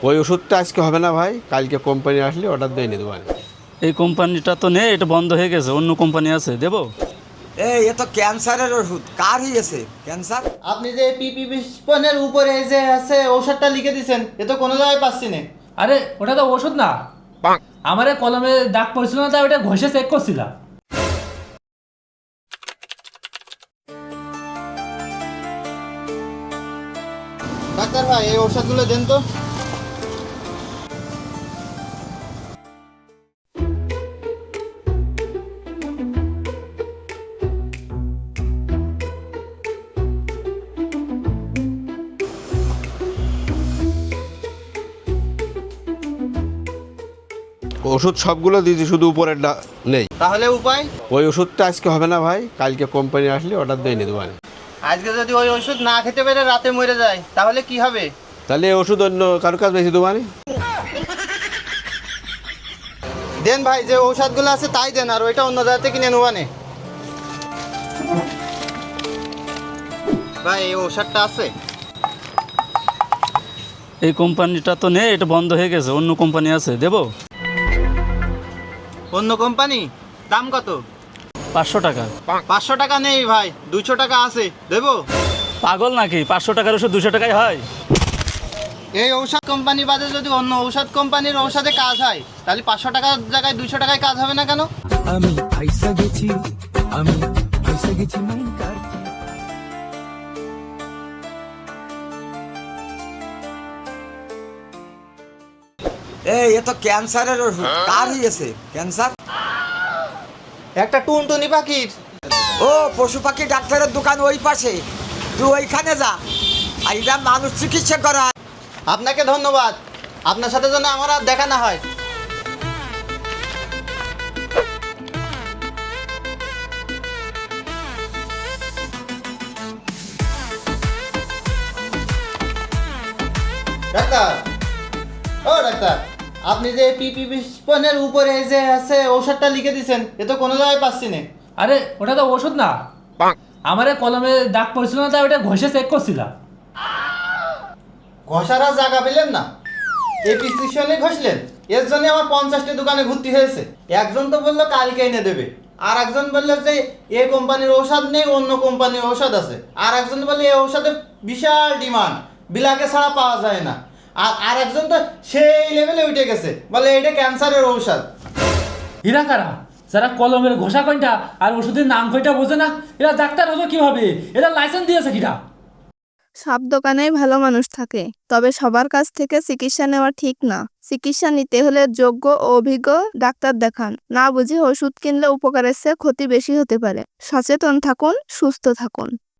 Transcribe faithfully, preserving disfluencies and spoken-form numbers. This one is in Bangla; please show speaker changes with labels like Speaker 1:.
Speaker 1: ওই ওষুধটা আজকে হবে না ভাই, কালকে কোম্পানি আসলে অর্ডার দিয়ে নিয়ে দেবো।
Speaker 2: এই কোম্পানিটা তো নেই, এটা বন্ধ হয়ে গেছে, অন্য কোম্পানি আছে, দেবো?
Speaker 3: এই এ তো ক্যান্সারের ওষুধ, কার হয়েছে ক্যান্সার?
Speaker 4: আপনি যে পিপি বিস্পনের উপরে যে আছে ঔষধটা লিখে দিয়েছেন, এ তো কোনো জায়গায় পাচ্ছি না।
Speaker 5: আরে ওটা তো ওষুধ না, আমার এই কলমে দাগ পড়ছিল না, তাই ওটা ঘষে চেক করছিলাম।
Speaker 4: ডাক্তার ভাই, এই ঔষধগুলো দেন তো।
Speaker 1: ওষুধ সবগুলো দিয়েছি, শুধু উপরেরটা নেই।
Speaker 4: তাহলে উপায়?
Speaker 1: ওই ওষুধটা আজকে হবে না ভাই, কালকে কোম্পানি আসলে অর্ডার দিয়ে নিয়ে দেবো।
Speaker 4: আজকে যদি ওই ওষুধ না খেতে পেরে রাতে মরে যায় তাহলে কি হবে?
Speaker 1: তাহলে এই ওষুধ অন্য কারো কাজ বেশি দেবো।
Speaker 4: দেন ভাই, যে ঔষধগুলো আছে তাই দেন, আর ওইটা অন্য জায়গা থেকে কিনে নেবানে। ভাই, এই ঔষধটা আছে?
Speaker 2: এই কোম্পানিটা তো নেই, এটা বন্ধ হয়ে গেছে, অন্য কোম্পানি আছে, দেবো?
Speaker 4: অন্য কোম্পানি? দাম কত?
Speaker 2: পাঁচশো টাকা।
Speaker 4: পাঁচশো টাকা নেই ভাই, দুশো টাকা আছে, দেবো?
Speaker 2: পাগল নাকি? পাঁচশো টাকার ওষুধ দুশো টাকায় হয়?
Speaker 4: এই ঔষধ কোম্পানি বাদে যদি অন্য ঔষধ কোম্পানির ঔষধে কাজ হয়, তাহলে পাঁচশো টাকার জায়গায় দুশো টাকায় কাজ হবে না কেন?
Speaker 6: আমি ফাইসা গেছি, আমি ফাইসা গেছি মাইন কার।
Speaker 3: এই এ তো ক্যান্সারের ওষুধ, কার হয়েছে ক্যান্সার?
Speaker 4: একটা টুনটুনি পাখির।
Speaker 3: ও, পশু পাখি ডাক্তারের দোকান ওই পাশে, তুই ওইখানে যা। আর এটা মানুষ চিকিৎসা করা।
Speaker 4: আপনাকে ধন্যবাদ, আপনার সাথে যেন আমার আর দেখা না হয়। ডাক্তার, ও ডাক্তার, আপনি যে পিপি বিস্পনের উপরে যে আছে ঔষধটা লিখে দিয়েছেন, এ তো কোনো জায়গায় পাচ্ছি না।
Speaker 5: আরে ওটা তো ওষুধ না, আমার এই কলমে দাগ পড়ছিল না, তাই ওটা ঘষে চেক করছিলাম।
Speaker 4: ঘষার আর জায়গা পেলেন না, এই প্রেসক্রিপশনে ঘষলেন। এর জন্য আমার পঞ্চাশটি দোকানে ঘুরতে হয়েছে। একজন তো বললো কালকে এনে দেবে, আর একজন বললো যে এই কোম্পানির ঔষধ নেই, অন্য কোম্পানির ঔষধ আছে। আর একজন বললো এই ঔষধের বিশাল ডিমান্ড, বিলাকে ছাড়া পাওয়া যায় না। আর আর একজন তো সেই লেভেলে উঠে গেছে, বলে এটা ক্যান্সারের ঔষধ।
Speaker 5: হীরা কারা যারা কলমের ঘষা কয়টা আর ওষুধের নাম কয়টা বোঝে না, এরা ডাক্তার হলো কিভাবে? এরা লাইসেন্স দিয়েছে কিনা?
Speaker 7: সব দোকানেই ভালো মানুষ থাকে, তবে সবার কাছ থেকে চিকিৎসা নেওয়া ঠিক না। চিকিৎসা নিতে হলে যোগ্য ও অভিজ্ঞ ডাক্তার দেখান। না বুঝে ওষুধ কিনলে উপকারের চেয়ে ক্ষতি বেশি হতে পারে। সচেতন থাকুন, সুস্থ থাকুন।